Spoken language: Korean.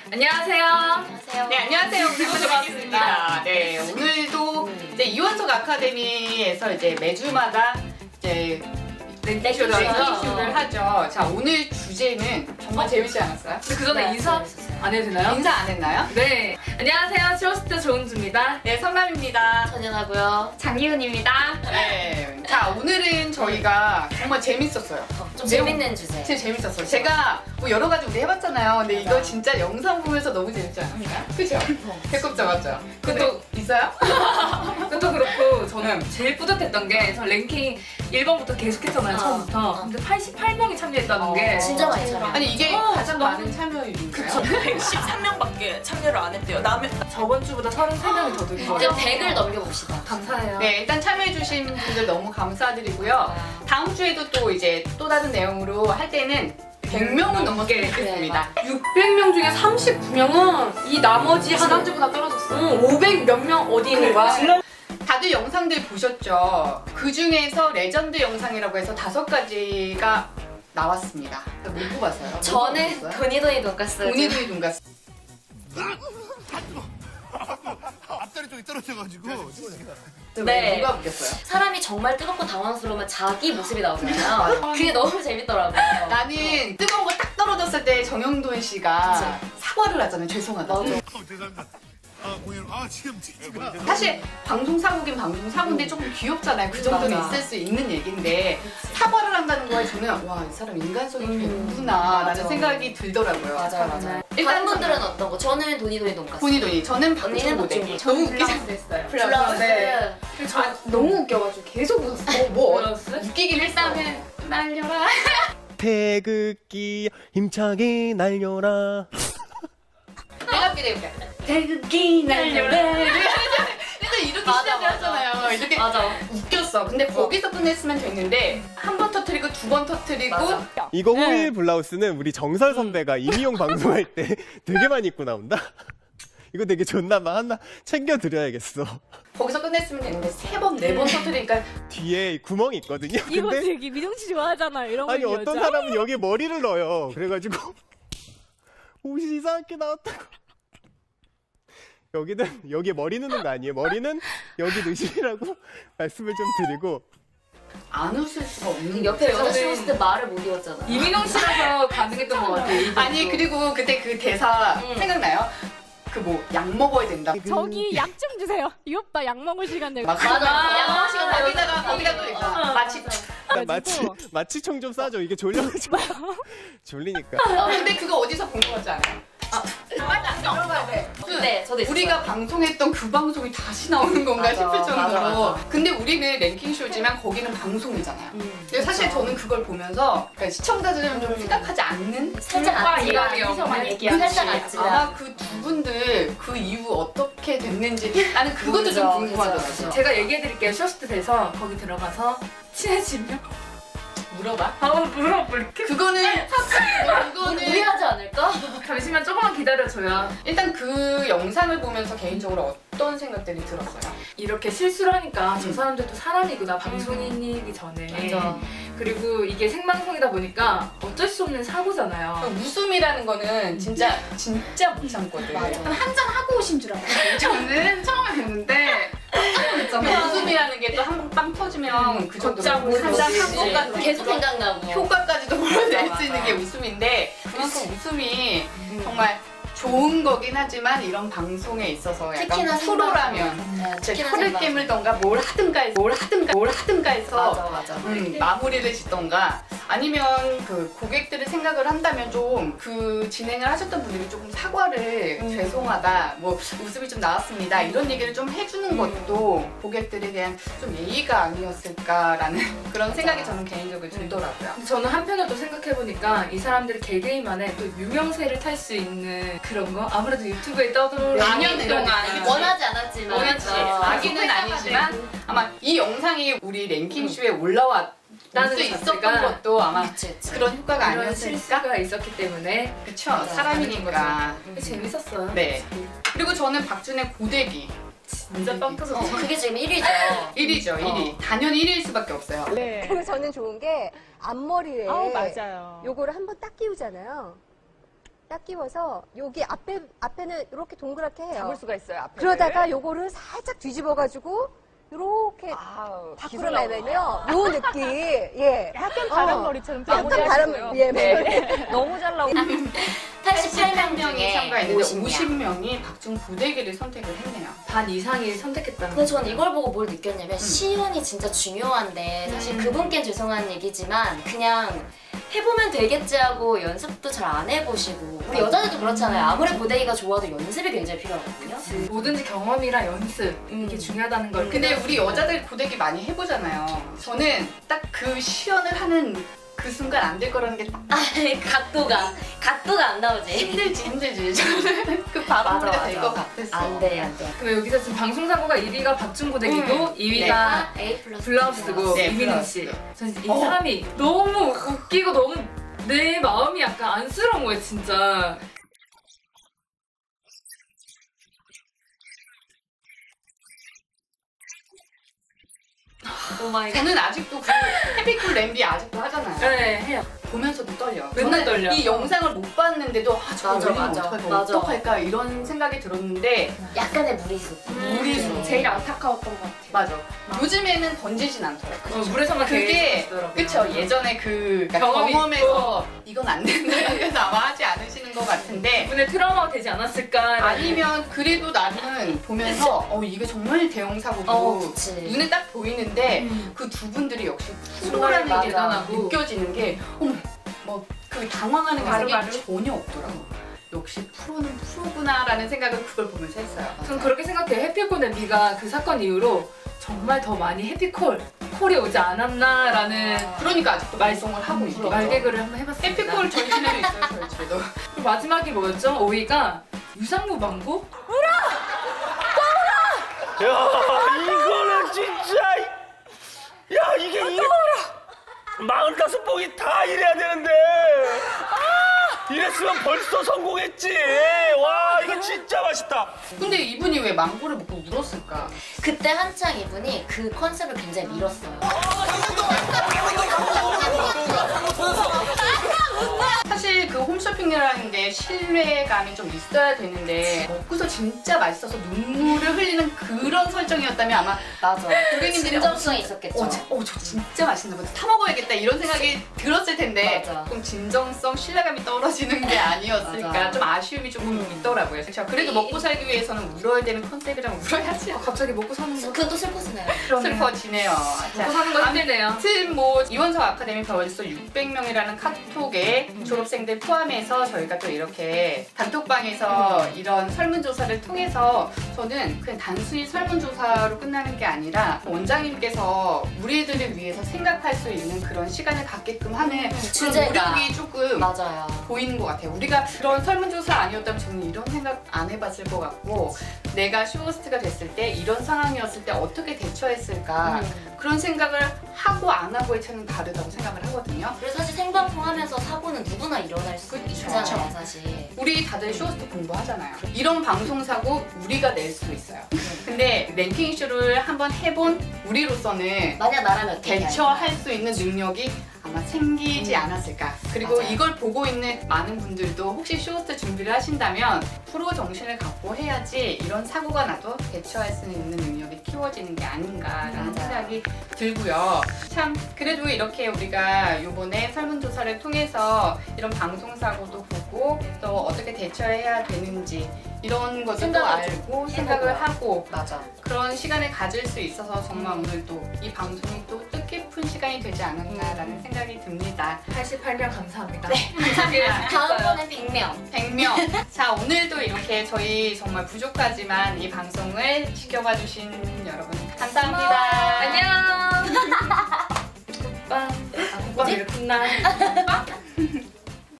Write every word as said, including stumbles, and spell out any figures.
안녕하세요. 안녕하세요. 네, 안녕하세요. 오늘부터 반갑습니다. 네, 오늘도 이제 이원석 아카데미에서 이제 매주마다 이제 랭킹쇼를 랭킹쇼를 하죠. 자, 오늘 주제는 정말 재밌지 않았어요? 근데 그 전에 네, 인사 재밌었어요. 안 해도 되나요? 인사 안 했나요? 네. 안녕하세요. 트러스트 조은주입니다. 네, 성남입니다. 전연하고요. 장기훈입니다. 네. 자, 오늘은 저희가 정말 재밌었어요. 어, 좀 매우- 재밌는 주제. 진짜 재밌었어요. 제가 뭐 여러 가지 우리 해봤잖아요. 근데 이거 맞아. 진짜 영상 보면서 너무 재밌지 않았어요? 그죠? 배꼽 잡았죠? 그것도 있어요? 그것도 그렇고 저는 응. 제일 뿌듯했던 게 저 랭킹 일 번부터 계속했잖아요. 어, 처음부터. 어. 근데 팔십팔 명이 참여했다는 어. 게 진짜 많이 참여. 아니 이게 어, 가장 너무- 많은 참여율인가요? 그쵸. 백십삼 명밖에 참여를 안 했대요. 남의 저번 주보다 서른세 명이 더 늘 이제 거예요. 백을 넘겨봅시다. 감사해요. 네, 일단 참여해주신 분들 너무 감사드리고요. 다음 주에도 또 이제 또 다른 내용으로 할 때는 백 명은 넘었으면 좋겠습니다. 육백 명 중에 삼십구 명은 이 나머지 하나 지난주보다 떨어졌어. 응, 오백 몇 명 어디 있는 거야? 다들 영상들 보셨죠? 그 중에서 레전드 영상이라고 해서 다섯 가지가 나왔습니다. 못 뽑았어요. 못 저는 뽑았어요? 돈이돈이 돈가스. 돈이돈이 돈가스. 앞다리 쪽이 떨어져가지고 네. 누가 웃겼어요? 사람이 정말 뜨겁고 당황스러우면 자기 모습이 나오잖아요. 그게 너무 재밌더라고요. 나는 뜨거운 거 딱 떨어졌을 때 정영돈 씨가 사과를 하잖아요. 죄송하다. 맞아. 어, 죄송합니다. 아 공연 아 지금 지지가 사실 방송 사고긴 방송 사고인데 조금 귀엽잖아요. 그 정도는 맞아. 있을 수 있는 얘기인데 사과를 한다는 거에 저는 와, 이 사람 인간성이 음, 배구나 라는 맞아. 생각이 들더라고요. 맞아요, 맞아요. 일단 다른 분들은 어떤 거? 저는 돈이돈이 돈가스. 돈이돈이 저는 언니는 방송 모델이 어쩌고. 너무 웃기지 않아요? 됐어요. 플러스. 네. 아, 너무 웃겨가지고 계속 웃었어. 어, 뭐 어, 플러스? 웃기긴 했다면 날려라. 태극기 힘차게 날려라. 내가 기대해볼게. 태극기 날려라. 일단 이렇게 맞아, 시작을 맞아. 하잖아요. 이렇게 맞아. 웃겼어. 근데 거기서 끝냈으면 됐는데 한 번 터트리고 두 번 터트리고 맞아. 이거 호일 블라우스는 우리 정설 선배가 이미용 방송할 때 되게 많이 입고 나온다. 이거 되게 좋나봐. 하나 챙겨 드려야겠어. 거기서 끝냈으면 됐는데 세 번 네 번 터트리니까 뒤에 구멍이 있거든요. 이거 근데 되게 미정 씨 좋아하잖아요. 이런 거 아니 여자. 어떤 사람은 여기에 머리를 넣어요. 그래가지고 옷이 이상하게 나왔다고. 여기는 여기에 머리 넣는 거 아니에요. 머리는 여기 넣으시라고 말씀을 좀 드리고. 안 웃을 수가 없는 옆에 거죠. 여자 저는- 쇼스 때 말을 못 이었잖아. 이민영 씨라서 가능했던 것 같아요. 이 아니 정도. 그리고 그때 그 대사 응. 생각나요? 그 뭐 약 먹어야 된다. 저기 약 좀 주세요. 이 오빠 약 먹을 시간 내고. 막 맞아. 양호 시간 다 거기다가 여자 거기다 또 있잖아. 있잖아. 마치 일단 마취 마취총 좀 싸줘. 이게 졸려가지고 졸리니까. 어, 근데 그거 어디서 본 거 같지 않아요? 아, 맞아. 들어가야 돼. 네, 저도 있어요. 우리가 방송했던 그 방송이 다시 나오는 건가 맞아, 싶을 정도로. 맞아, 맞아. 근데 우리는 랭킹 쇼지만 거기는 방송이잖아요. 음, 근데 사실 그쵸. 저는 그걸 보면서 그러니까 시청자들은 좀 생각하지 않는 살짝 오빠 아찔한 이야기 없는 얘기야. 살짝 아찔한. 아마 그 두 분들 그 이후 어떻게 됐는지 나는 그것도 그죠, 좀 그죠, 궁금하더라고요. 그죠. 제가 얘기해드릴게요. 쇼스트 돼서 거기 들어가서 친해지면 물어봐. 아 물어볼게. 그거는 그거는 무리하지 않을까? 잠시만 조금만 기다려줘요. 일단 그 영상을 보면서 개인적으로 어떤 생각들이 들었어요? 이렇게 실수를 하니까 저 음. 사람들도 사람이구나. 방송인이기 전에. 맞아. 그리고 이게 생방송이다 보니까 어쩔 수 없는 사고잖아요. 그 웃음이라는 거는 진짜 진짜 못 참거든. 맞아. 한잔 하고 오신 줄 알았어요. 저는 처음에 뵀는데 웃음이라는 게 또 한 번 빵 터지면 그 정도로 걷자고 한잔 그치. 한번까지 계속 생각나고. 효과까지도 몰아낼 맞아, 수 있는 맞아. 게 웃음인데 그만큼 웃음이 음. 정말 좋은 거긴 하지만 이런 방송에 있어서 약간 특히나 프로라면 네, 이제 특히나 혀를 생방. 깨물던가 뭘 하든가 해서 뭘 하든가 뭘 하든가 해서 맞아, 맞아. 음, 마무리를 짓던가 아니면 그 고객들의 생각을 한다면 좀 그 진행을 하셨던 분들이 조금 사과를 음. 죄송하다 뭐 웃음이 좀 나왔습니다 이런 얘기를 좀 해주는 음. 것도 고객들에 대한 좀 예의가 아니었을까라는 그런 생각이 저는 개인적으로 들더라고요. 근데 저는 한편으로 또 생각해보니까 이 사람들이 개개인만의 또 유명세를 탈 수 있는 그런 거 아무래도 유튜브에 떠돌 몇 년 동안 원하지 않았지만. 원하지 어. 자기는 아니지만 아마 이 영상이 우리 랭킹쇼에 올라왔 나는 수 것 있었던 자체가 것도 아마 그치, 그치. 그런 효과가 이런 아니었을까? 실수가 있었기 때문에 그쵸 맞아. 사람이니까. 근데 재밌었어요. 네. 그리고 저는 박준의 고데기 진짜 빵 터졌어. 어, 그게 지금 일 위죠. 일 위죠 일 위. 당연히 일 위일 수밖에 없어요. 네. 그리고 저는 좋은 게 앞머리에 아우 맞아요. 요거를 한번 딱 끼우잖아요. 딱 끼워서 여기 앞에 앞에는 이렇게 동그랗게 해요. 잡을 수가 있어요. 앞에. 그러다가 요거를 살짝 뒤집어가지고 이렇게 아우, 밖으로 내면요. 요 느낌. 예. 약간 어. 바람머리처럼 약간 바람 예. 네. 너무 잘 나오고. 팔십팔 명 명이 중에 참가했는데 오십 명. 오십 명이 박중 고데기를 선택을 했네요. 반 이상이 선택했다는 근데 거. 전 이걸 보고 뭘 느꼈냐면 시연이 진짜 중요한데 사실 음. 그분께는 죄송한 얘기지만 그냥 해보면 되겠지 하고 연습도 잘 안 해보시고 우리 여자들도 그렇잖아요. 아무리 고데기가 좋아도 연습이 굉장히 필요하거든요. 뭐든지 경험이랑 연습 음. 이게 중요하다는 걸. 근데 우리 여자들 고데기 많이 해보잖아요. 저는 딱 그 시연을 하는 그 순간 안 될 거라는 게 딱 아, 각도가 각도가 안 나오지. 힘들지 힘들지. 저는 그 바람머리가 맞아, 될 맞아. 것 같았어. 안 돼, 안 돼. 그럼 여기서 지금 방송사고가 일 위가 박준 고데기고 음. 이 위가 A 플러스 블라우스고 네, 이민웅 블라우스. 씨. 저는 이 어. 사람이 너무 웃기고 너무 내 마음이 약간 안쓰러운 거예요, 진짜. 오 마이 갓. 저는 아직도 그 해피쿨 램비 아직도 하잖아요. 네, 해요. 보면서도 떨려. 맨날 저는 떨려. 이 영상을 못 봤는데도 아 저거 맞아, 열리면 맞아. 어떡할까 맞아. 어떡할까 이런 생각이 들었는데 약간의 무리수. 무리수 제일 안타까웠던 것 같아요. 맞아. 요즘에는 던지진 않더라고요. 어, 물에서만 그게 계속 그쵸 예전에 그 경험이 경험에서 이건 안 된다 이래서 아마 하지 않으시는 것 같은데 분의 트라우마가 되지 않았을까? 아니면 그래도 나는 보면서 어 이게 정말 대형 사고고 어, 그치. 눈에 딱 보이는데 음. 그 두 분들이 역시 정말 프로라는 게 대단하고. 느껴지는 게 어머 뭐 그 당황하는 게 바로바로? 전혀 없더라고. 역시 프로는 프로구나라는 생각을 그걸 보면서 했어요. 전 그렇게 생각해요. 해피콜 엠비가 그 사건 이후로 정말 더 많이 해피콜 콜이 오지 않았나라는 그러니까 아직도 말썽을 하고 있죠. 말개그를 한번 해봤습니다. 해피콜 저희 집에도 있어요. 저희 집에도. 그리고 마지막이 뭐였죠? 오 위가 유상무 방구? 야 이거는 진짜 야 이게 이게 마흔다섯 봉이 다 이래야 되는데 이랬으면 벌써 성공했지. 와 이거 진짜 맛있다. 근데 이분이 왜 망고를 먹고 울었을까? 그때 한창 이분이 그 컨셉을 굉장히 밀었어요. 사실 그 홈쇼핑이라는 게 신뢰감이 좀 있어야 되는데 먹고서 진짜 맛있어서 눈물을 흘리는 그런 설정이었다면 아마 맞아. 고객님들이 진정성이 있었겠죠. 어, 저, 어, 저 진짜 맛있나 보다. 사 먹어야겠다 이런 생각이 들었을 텐데 맞아. 좀 진정성, 신뢰감이 떨어지는 게 아니었을까. 맞아. 좀 아쉬움이 조금 있더라고요. 그렇죠. 그래도 먹고 살기 위해서는 울어야 되는 컨셉이라면 울어야지. 갑자기 먹고 사는 거 그건 또 슬퍼지네요. 슬퍼지네요. 먹고 사는 거 힘들네요. 아무튼 뭐 이원석 아카데미 벌써 육백 명이라는 카톡에 졸업생들 포함해서 저희가 또 이렇게 단톡방에서 이런 설문조사를 통해서 저는 그냥 단순히 설문조사로 끝나는 게 아니라 원장님께서 우리들을 위해서 생각할 수 있는 그런 시간을 갖게끔 하는 그런 주제가. 노력이 조금 맞아요. 보이는 것 같아요. 우리가 그런 설문조사 아니었다면 저는 이런 생각 안 해봤을 것 같고 내가 쇼호스트가 됐을 때 이런 상황이었을 때 어떻게 대처했을까 음. 그런 생각을 하고 안 하고의 차이는 다르다고 생각을 하거든요. 그리고 사실 생방송 하면서 사고는 누구나 일어날 수 그쵸. 있잖아요, 사실. 우리 다들 쇼호스트 공부하잖아요. 이런 방송사고 우리가 낼 수도 있어요. 근데 랭킹쇼를 한번 해본 우리로서는 만약 나라면 어떻게 대처할 수 있는 능력이 아마 생기지 않았을까. 그리고 맞아요. 이걸 보고 있는 많은 분들도 혹시 쇼호스트 준비를 하신다면 프로 정신을 갖고 해야지 이런 사고가 나도 대처할 수 있는 능력이 키워지는 게 아닌가라는 맞아요. 생각이 들고요. 참 그래도 이렇게 우리가 이번에 설문조사를 통해서 이런 방송사고도 보고 또 어떻게 대처해야 되는지 이런 것도 생각을 알고 생각을 해보고요. 하고 맞아. 그런 시간을 가질 수 있어서 정말 오늘 또 이 방송이 또 뜻깊은 시간이 되지 않았나라는 생각이 듭니다. 팔십팔 명 감사합니다. 네, 감사합니다. 다음번엔 백 명. 백 명. 자, 오늘도 이렇게 저희 정말 부족하지만 이 방송을 지켜봐 주신 여러분 감사합니다. 안녕. 국밥. 아, 국밥 이렇구나.